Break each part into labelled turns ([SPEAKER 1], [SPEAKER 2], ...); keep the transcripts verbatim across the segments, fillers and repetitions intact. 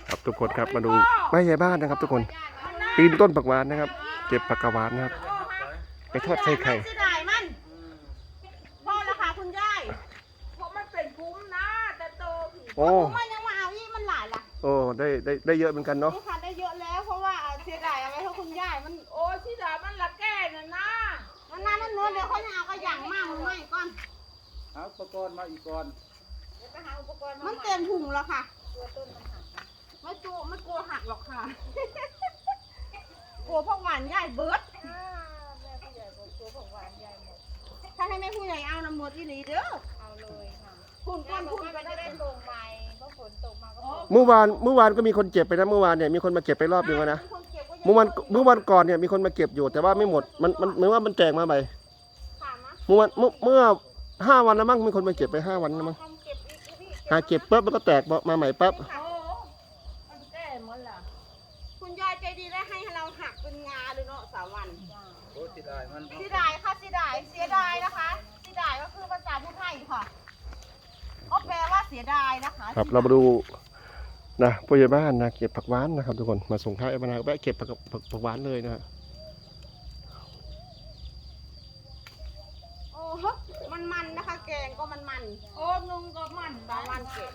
[SPEAKER 1] ครับทุกคนครับมาดูแม่ยายบ้านนะครับทุกคนปีนต้นผักหวานนะครับเก็บผักกหวานนะครับไปทอดใส่ไข่
[SPEAKER 2] เสียดายมันพ่อละค่ะคุณยายเพราะมันเป็นคุ้มนะแต่โตผีโอ้มันยังมาเอาอีมันหลายละ
[SPEAKER 1] โอ้ได้ได้ได้เยอะเหมือนกันเนาะ
[SPEAKER 2] นี่ค่ะได้เยอะแล้วเพราะว่าเสียดายเอาไว้ให้คุณยายมันโอ้เสียดายมันละแก่น่ะนะมันน่านั่นเนื้อเดี๋ยวเขาจะเอากระย่างมากมันไม่ก่อน
[SPEAKER 3] เอาอุปกรณ์มาอีกก่อน
[SPEAKER 2] เดี๋ยวไปหาอุปกรณ์มันเต็มถุงแล้วค่ะตัวต้นมันหักไม่กลัวไม่กลัวหักหรอกค่ะกลัวพวกหวานใหญ่เบิร์ดแม่ผู้ใหญ่บอกกลัวพวกหวานใหญ่หมดถ้าให้แม่ผู้ใหญ่เอาน้ำหมดอีหลีเด้อเอาเลยค่ะคุณก้อนคุณก็จะได้ตรงใหม่เพราะฝนตกมาก็
[SPEAKER 1] เมื่อวานเมื่อวานก็มีคนเก็บไปนะเมื่อวานเนี่ยมีคนมาเก็บไปรอบนึงแล้วนะเมื่อวันเมื่อวันก่อนเนี่ยมีคนมาเก็บอยู่แต่ว่าไม่หมดมันมันเหมือนว่ามันแตกมาใหม่เมื่อวันเมื่อเมื่อห้าวันแล้วมั้งมีคนมาเก็บไปห้าวันแล้วมั้งหาเก็บปั๊บแล้วก็แตกมาใหม่ปั๊บ
[SPEAKER 2] คุณยายใจดีได้ให้เราหักเป็นงาเลยเนาะสามวัน
[SPEAKER 3] โอ้เสียดายมัน
[SPEAKER 2] เสียดายค่ะเสียดายเสียดายนะคะเสียดายก็คือภาษาพูดไทยค่ะก็แปลว่าเสียดายนะคะ
[SPEAKER 1] ครับเรามาดูนะผู้ใหญ่บ้านนะเก็บผักหวานนะครับทุกคนมาส่งท้ายมาแวะเก็บผักผักหวานเลยนะ
[SPEAKER 2] โอ้โหมันมันนะคะแกงก็มันมันโอ้นุ่งก็มันบางวันเก็บ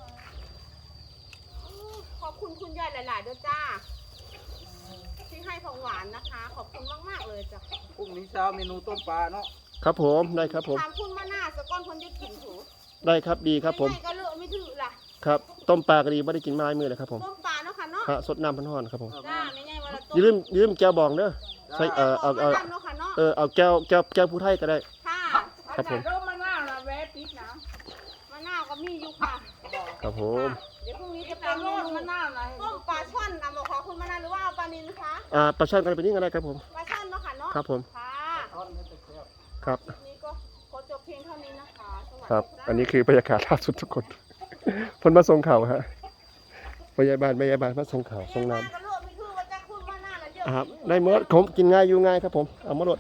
[SPEAKER 2] ขอบคุณคุณยายหลายๆด้วยจ้าที่ให้ของหวานนะคะขอบคุณมากๆเลยจ้ะ
[SPEAKER 3] พรุ่งนี้เช้าเมนูต้มปลาเนาะ
[SPEAKER 1] ครับผมได้ครับผม
[SPEAKER 2] ถามคุณมาหน้าสก้อนคนจะกินถู
[SPEAKER 1] ได้ครับดีครับผม
[SPEAKER 2] ก็เลือกไม่ถือล่ะ
[SPEAKER 1] ครับต้มปลากระดีไม่ได้กินมาลายมือเลยครับผม
[SPEAKER 2] ต้มปลาเนาะค่ะเนาะ
[SPEAKER 1] ฮะสดน้ำพันห่อนครับผม
[SPEAKER 2] จ้าไม่ใช่ว่า
[SPEAKER 1] อย่าลืมอย่าลืมแก้วบองเด้อใส่เออเอาเอาเออเอาแก้วแก้วแก้วผู้ไทยก็ได้
[SPEAKER 2] ค่ะ
[SPEAKER 1] ครับผม
[SPEAKER 2] มะนาวนะแวะปิดนะมะนาวก็มีอยู่ค่ะ
[SPEAKER 1] ครับผม
[SPEAKER 2] เดี๋ยวพรุ่งนี้จะเป็นมะนาวนะต้มปลาช่อนนะบอกขอคุณมะนาวหรือว่าเอาปลานิลคะ
[SPEAKER 1] อ่าปลาช่อนกันไปนี่ก็ได้ครับผม
[SPEAKER 2] ปลาช่อนเนาะค่ะเนาะ
[SPEAKER 1] ครับผม
[SPEAKER 2] ค่ะ
[SPEAKER 1] ครับ
[SPEAKER 2] นี่ก็ขอจบเพียงเท่านี้นะคะ
[SPEAKER 1] ครับอันนี้คือบรรยากาศล่าสุดทุกคนคนมาส่งข่าวฮะพยาบาลพยาบาลมาส่งข่าวส่งน้ำครับได้เมื่อผมกินง่ายอยู่ง่ายครับผมเอามาลด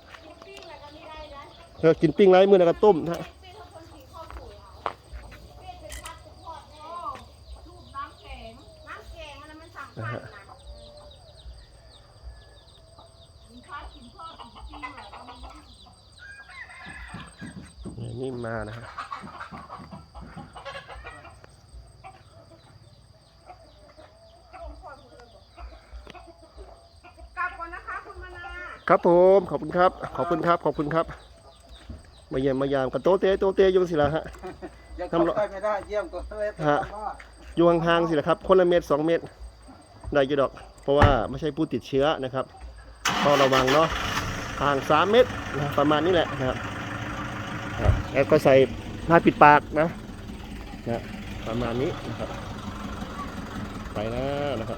[SPEAKER 1] เธอกินปิ้งไรมือแล้วก็ต้มฮะนี่มานะฮะครับผมขอบคุณครับขอบคุณครับขอบคุณครับมาเยี่ยมมายามกับโตเต้โตเต้ยุ่งสิละฮะ
[SPEAKER 3] ยังเข้าใกล้ไม่ได้เยี่ยมก็เลย
[SPEAKER 1] ฮะอยู่ห่างๆสิละครับคนละเมตรสองเมตรได้กี่ดอกเพราะว่าไม่ใช่ผู้ติดเชื้อนะครับต้องระวังเนาะห่างสามเมตรนะประมาณนี้แหละนะครับแล้วก็ใส่ผ้าปิดปากนะนะประมาณนี้นะครับไปแล้วนะครับ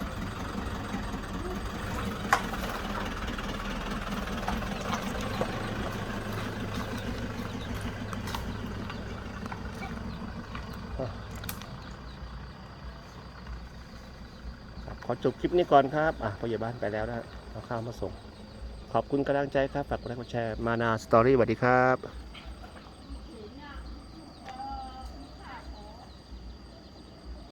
[SPEAKER 1] ขอจบคลิปนี้ก่อนครับอ่ะพยาบาลไปแล้วนะเอาข้าวมาส่งขอบคุณกำลังใจครับฝากกดไลค์กดแชร์มานาสตอรี่สวัสดีครับ